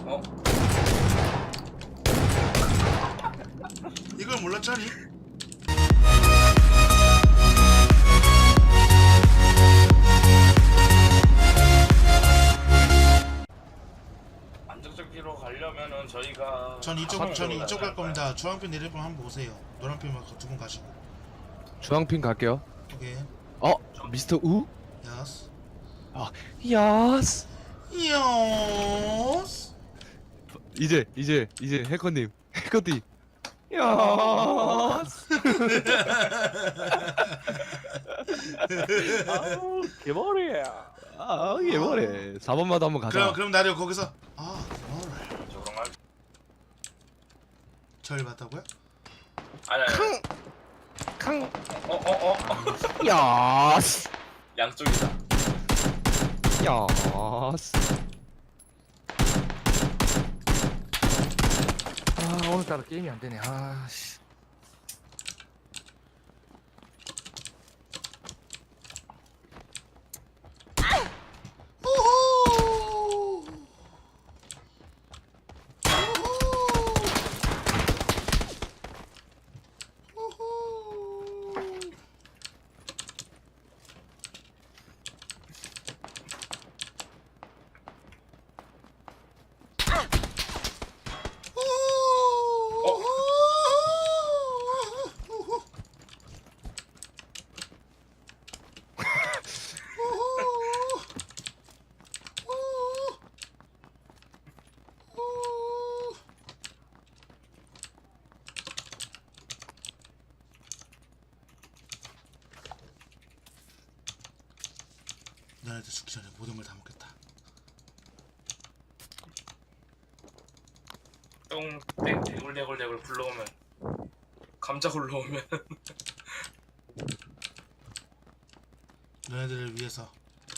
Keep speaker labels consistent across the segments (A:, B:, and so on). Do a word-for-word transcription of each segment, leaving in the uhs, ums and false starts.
A: 어?
B: 이걸 몰랐잖니?
A: 안정적으로 가려면은 저희가
B: 전 이쪽
A: 가방으로
B: 전 이쪽 갈
A: 나가야
B: 겁니다. 주황핀 내릴 분 한번 오세요. 노란핀 두 분 가시고.
C: 주황핀 갈게요.
B: 오케이.
C: 어? 미스터 우?
B: 야스.
C: 야스.
B: 야스.
C: 이제 이제 이제 해커님 해커님. 야스.
D: 아우 개머리야.
C: 아 이게 뭐래. 사 번마다 한번 가자.
B: 그럼 그럼 나를 거기서 아 뭐래.
A: 저 그런 말.
B: 절 봤다고요?
A: 아니 아니.
C: 캉.
A: 어어 어.
C: 야스.
A: 양쪽이다.
C: 야스.
D: 아 오늘따라 게임이 안 되네. 아씨.
B: 우후. 우후. 우후. 너네들 죽기 전에 모든 걸 다 먹겠다.
A: 똥땡 대굴대굴대굴 굴러오면 감자 굴러오면
B: 너네들을 위해서.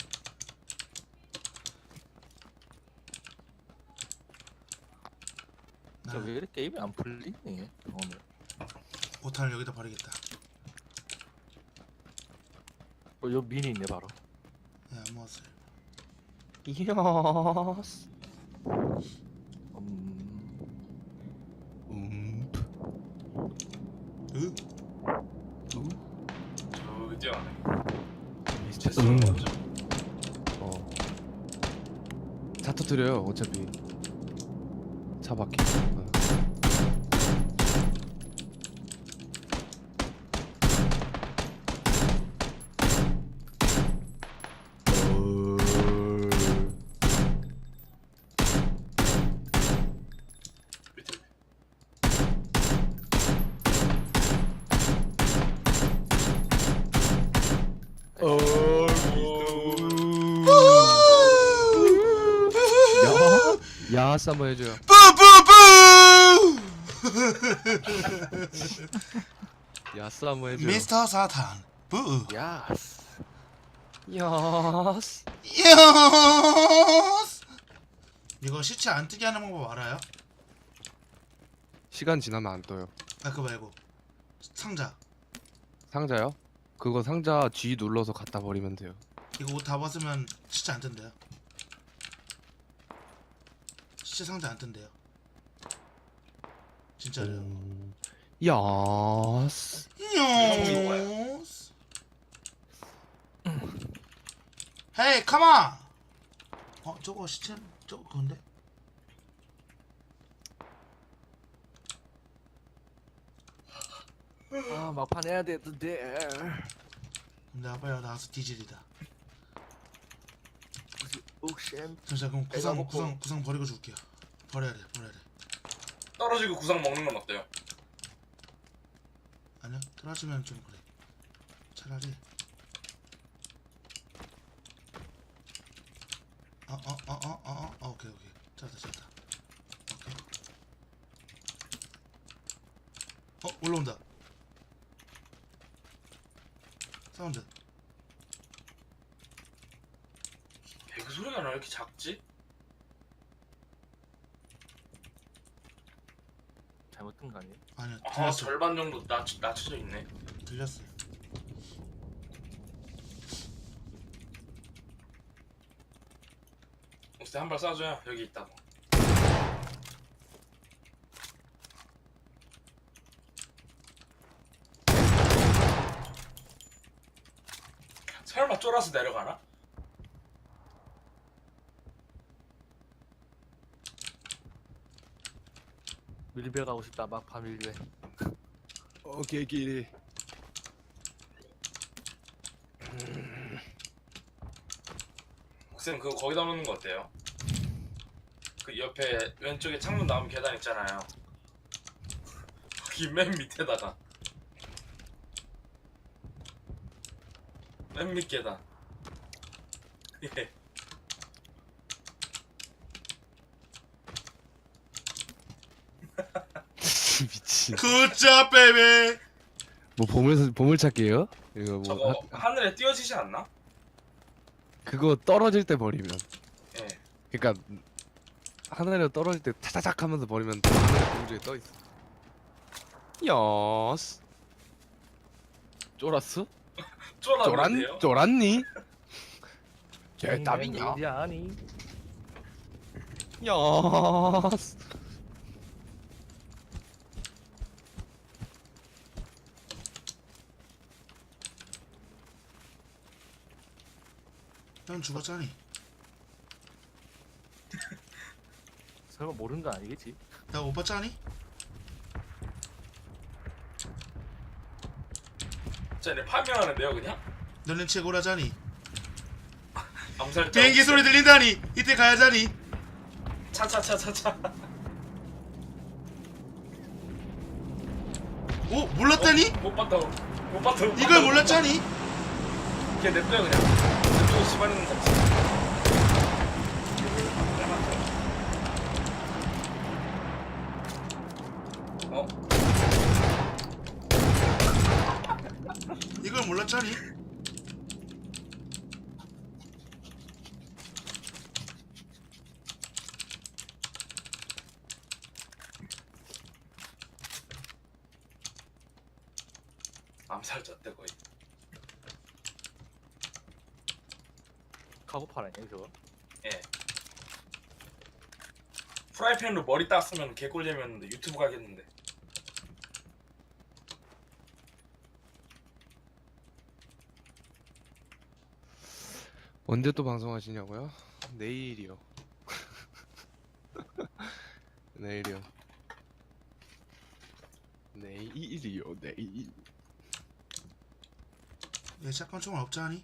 D: 저 왜 이렇게 게임이 안 풀리니 오늘?
B: 오탄을 여기다 버리겠다.
D: 어, 요 미니 있네 바로.
B: 네, 안 먹었어요.
C: 야스.
D: 음.
C: 음.
B: 으?
A: 저기 뛰어가네.
C: 미스터
A: 음.
C: 어. 차 터뜨려요 어차피. 차 바퀴.
A: 밑에.
C: 야, 야스 한번 해줘요.
B: 뿌뿌뿌!
C: 야스 한번 해줘요.
B: 미스터 사탄 뿌.
D: 야스.
C: 야스.
B: 야스. 이거 시체 안 뜨게 하는 방법 알아요?
C: 시간 지나면 안 떠요.
B: 아 그거 말고 상자.
C: 상자요? 그거 상자 G 눌러서 갖다 버리면 돼요.
B: 이거 옷 다 벗으면 시체 안 뜬대요. 시체 상자 안 뜬대요. 진짜로요.
C: 음... 야스.
B: 야스. 헤이 카마. 어 저거 시체 저거 그건데?
D: 아 막판 해야 되는데.
B: 근데 빨리 나와서 뒤질이다.
D: 옥샘.
B: 잠시만 그럼
A: 내가
B: 구상
A: 먹고.
B: 구상 구상 버리고 줄게요. 버려야 돼 버려야 돼.
A: 떨어지고 구상 먹는 건 어때요?
B: 아니야 떨어지면 좀 그래. 차라리. 어어어어어어 어, 오케이 오케이 찾았다 찾았다. 오케이. 어 올라온다. 사운드.
A: 배그 소리가 나 왜 이렇게 작지?
D: 잘못 뜬 거 아니에요?
B: 아니야
A: 아
B: 들렸어.
A: 절반 정도 낮, 낮춰져 있네.
B: 들렸어요.
A: 혹시 한 발 쏴줘요. 여기 있다고. 쫄아 쫄아서 내려가나?
D: 밀배 가고 싶다. 막판 밀배.
C: 어 개끼리.
A: 쌤 그거 거기다 놓는 거 어때요? 그 옆에 왼쪽에 창문 나오면 계단 있잖아요. 거기 맨 밑에다가 맨 밑 계단. 예.
C: 미친.
B: 굿잡 베이비.
C: 뭐 보물 보물 찾기예요? 이거 뭐
A: 저거
C: 하,
A: 하늘에 띄어지지 않나?
C: 그거 떨어질 때 버리면.
A: 예.
C: 그러니까 하늘에 떨어질 때 차차작 하면서 버리면 하늘에 공중에 떠 있어. 여스. 쫄았어?
A: 쫄았는데요?
C: 쫄았 쫄았니?
D: 네,
C: 쟤 답이냐?
D: 아니.
C: 여스.
B: 형 죽었잖니.
D: 설마 모르는 거 아니겠지?
B: 나 오빠 짜니?
A: 쟤네 파밍하는데요 그냥?
B: 너는 최고라자니.
A: 암살자
B: 비행기 소리 들린다니. 이때 가야자니.
A: 차차차차차.
B: 오 몰랐다니?
A: 못 봤다 못 봤다 못
B: 이걸
A: 봤다.
B: 몰랐자니?
A: 걔 냅둬요 그냥. 냅두고 씨발이는 잡지. 어?
B: 이걸 몰랐자니?
A: 암살자 때 거의.
D: 카고팔 아니야 저거?
A: 예. 프라이팬으로 머리 땄으면 개꿀잼이었는데 유튜브 가겠는데.
C: 언제 또 방송하시냐고요? 내일이요. 내일이요. 내일이요. 내일.
B: 얘 샷건 총알 없자니?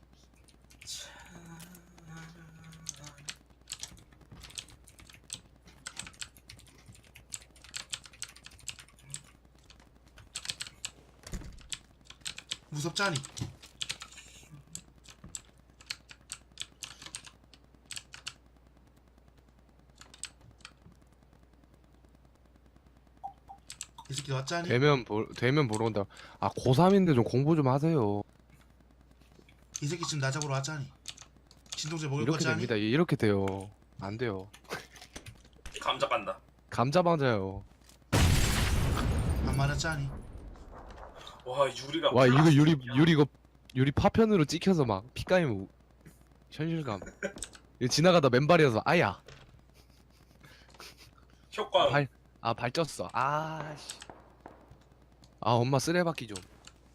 B: 무섭자니? 이 새끼 왔자니?
C: 되면 보 되면 보러 온다. 아 고삼인데 좀 공부 좀 하세요.
B: 이 새끼 지금 나 잡으러 왔자니? 진동제 먹을
C: 이렇게
B: 거자니?
C: 됩니다. 이렇게 돼요. 안 돼요.
A: 감자 간다.
C: 감자 맞아요.
B: 안 맞았자니?
A: 와 유리가.
C: 와 이거 유리
A: 플라스틱이야.
C: 유리 이거 유리 파편으로 찍혀서 막 피까이면 우- 현실감. 이거 지나가다 맨발이어서 아야.
A: 효과.
C: 발 아 발쪘어. 아씨. 아 엄마 쓰레받기 좀.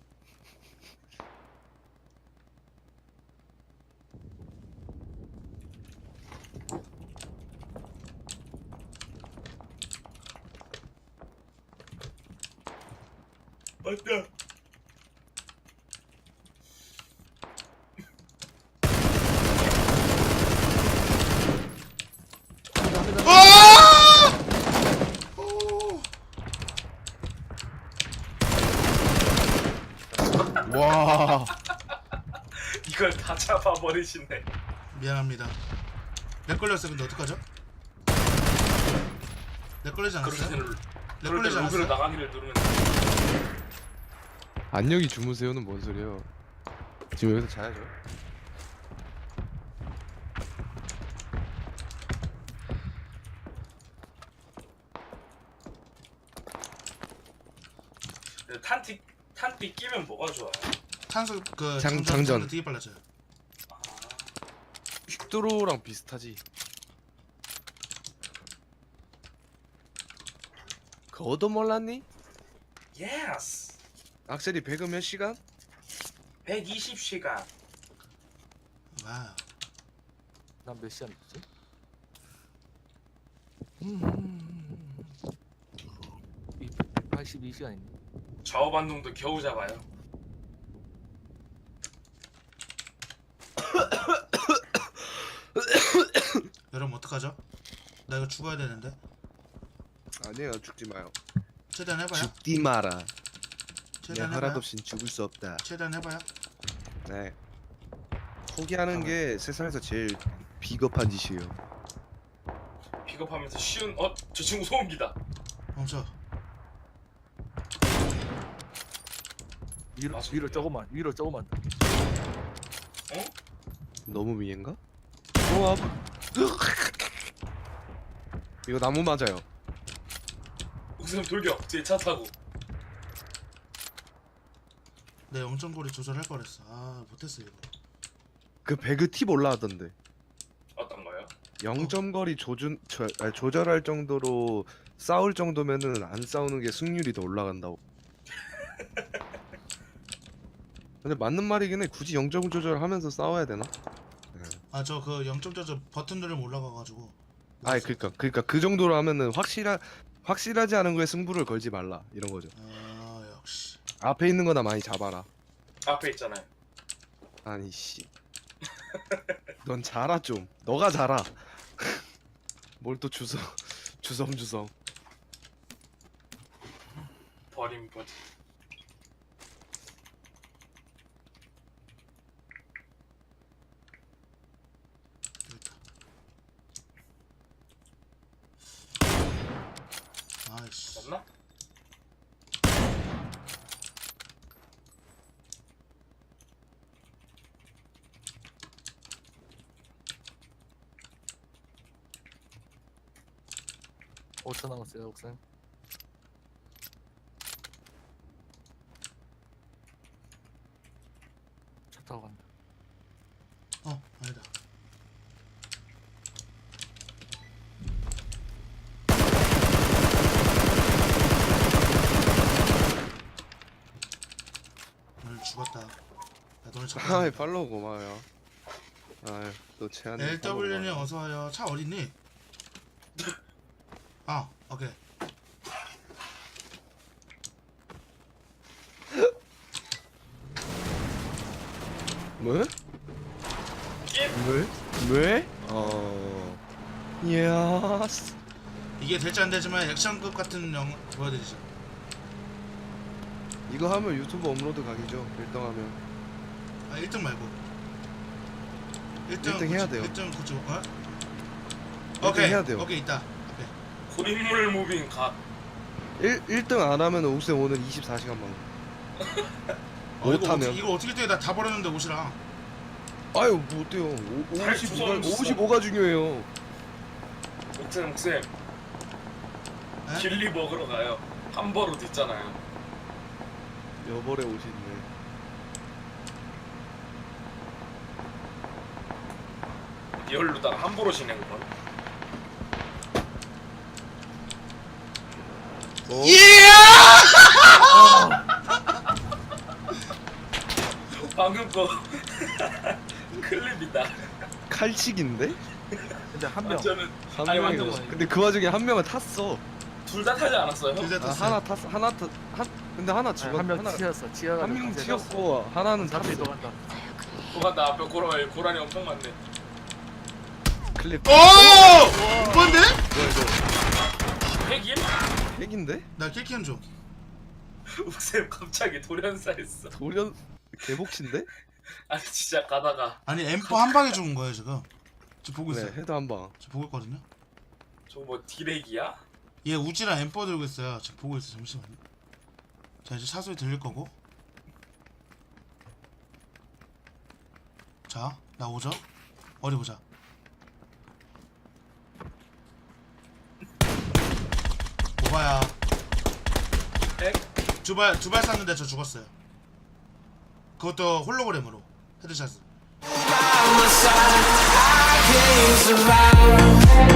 A: 맞다.
B: 아! 오!
C: 와.
A: 이걸 다 잡아버리시네.
B: 미안합니다. 렉 걸렸어. 근데 어떡하죠? 렉 걸리지
A: 그럴
B: 않았어요?
A: 때는
B: 렉
A: 그럴
B: 걸리지
A: 때 로그를
B: 않았어요?
A: 나가기를 누르면.
C: 안녕히 주무세요는 뭔 소리예요? 지금 여기서 자야죠.
A: 근데 탄티 탄띠 끼면 뭐가 좋아요?
B: 탄소 그
C: 장-
B: 장전
C: 장전.
B: 장전 되게 빨라져요.
A: 아,
C: 퀵드로우랑 비슷하지. 그거도 몰랐니?
A: 예스.
C: 악셀이 배그 몇 시간?
A: 백이십 시간.
B: 와우.
D: 난 몇 시간 됐지? 이 백팔십이 시간이네.
A: 좌우 반동도 겨우 잡아요.
B: 여러분 어떡하죠? 나 이거 죽어야 되는데.
C: 아니에요, 죽지 마요.
B: 최대한 해봐요.
C: 죽지 마라. 내
B: 최대한
C: 허락
B: 해봐요.
C: 없인 죽을 수 없다.
B: 최대한 해봐요.
C: 네. 포기하는 게 세상에서 제일 비겁한 짓이에요.
A: 픽업하면서 쉬운 어? 저 친구 소음기다.
B: 멈춰.
D: 위로
A: 맞아.
D: 위로 조금만 위로 조금만 더.
A: 어?
C: 너무 위인가? 와. 이거 나무 맞아요.
A: 옥쌤 돌격 뒤에 차 타고.
B: 내 영점거리 조절할 거랬어. 아 못했어 이거.
C: 그 배그 팁 올라왔던데.
A: 어떤 거요?
C: 영 점 거리 조준 저, 아니, 조절할 정도로 싸울 정도면은 안 싸우는 게 승률이 더 올라간다고. 근데 맞는 말이긴 해. 굳이 영 점 조절하면서 싸워야 되나?
B: 아 저 그 영점 조절 버튼 누르면 올라가가지고.
C: 아니 그러니까 그러니까 그 정도로 하면은 확실하 확실하지 않은 거에 승부를 걸지 말라 이런 거죠.
B: 아 역시.
C: 앞에 있는 거나 많이 잡아라.
A: 앞에 있잖아요.
C: 아니 씨. 넌 자라 좀. 너가 자라. 뭘 또 주섬 주섬주섬.
A: 버림 버림.
B: 아이씨.
A: 맞나?
D: 오 초 남았어요, 옥상. 차 타고 간다.
B: 어 아니다. 오늘 죽었다. 나 너네 잡아.
C: 아이 팔로우 고마워요. 아유 또 채한.
B: 엘더블유님 어서 와요. 차 어딨니? 아 오케이.
C: 뭐?
A: 예?
C: 왜? 왜? 어. 예스.
B: 이게 될지 안 되지만 액션급 같은 영화 보여드리죠.
C: 이거 하면 유튜브 업로드 각이죠. 일 등 하면.
B: 아 일 등 말고. 일 등
C: 일 등 해야 돼요.
B: 일 등 구조. 어?
C: 등
B: 오케이.
C: 해야 돼요.
B: 오케이 있다. 오케이.
A: 고인물 무빙 각.
C: 일 1등 안 하면 옥쌤 오늘 이십사 시간만.
B: 어, 이거
C: 못하면.
B: 어떻게, 이거 어떻게 돼? 나 다 버렸는데 옷이랑.
C: 아유 뭐 어때요? 오-
A: 잘
C: 오십오가
A: 주워줬어.
C: 오십오가 중요해요.
A: 옥쌤 옥쌤
B: 에?
A: 길리 먹으러 가요. 함버릇 있잖아요.
C: 여벌에 옷이 있네.
A: 리얼로다가 함버릇이네 그건.
C: 어?
A: 방금 거 클립이다.
C: 칼치기인데?
D: 근데 한 명.
A: 저는
C: 한
A: 아니,
C: 명이
A: 완전
C: 없어. 근데 그 와중에 한 명은 탔어.
A: 둘 다 타지 않았어요?
B: 둘 다
C: 아,
B: 탔어.
C: 하나 탔어. 하나 탔. 한 근데 하나 죽었.
D: 한 명
C: 하나
D: 튀었어. 튀어가.
C: 한 명 튀었고 하나는
D: 잡히
C: 탔어.
D: 도간다.
A: 또간다 앞에 고라니 고라니 엄청 많네.
C: 클립.
B: 오! 뭔데?
C: 뭐야 이거?
A: 핵임?
C: 핵인데?
B: 나 킬키한 줘.
A: 옥쌤 갑자기 돌연사했어.
C: 돌연 개복치인데?
A: 아니 진짜 가다가
B: 아니 엠포 한 방에 죽은 거예요 지금. 저 보고
C: 네,
B: 있어요.
C: 헤드 한 방.
B: 저 보고 있거든요.
A: 저 뭐 디렉이야?
B: 얘 우지랑 엠포 들고 있어요. 지금 보고 있어. 잠시만요. 자 이제 차 소리 들릴 거고. 자 나오죠? 어디 보자. 오바야.
A: 핵?
B: 두발 두 발 쐈는데 저 죽었어요. 그것도 홀로그램으로 헤드샷을.
E: by my side, I can't survive.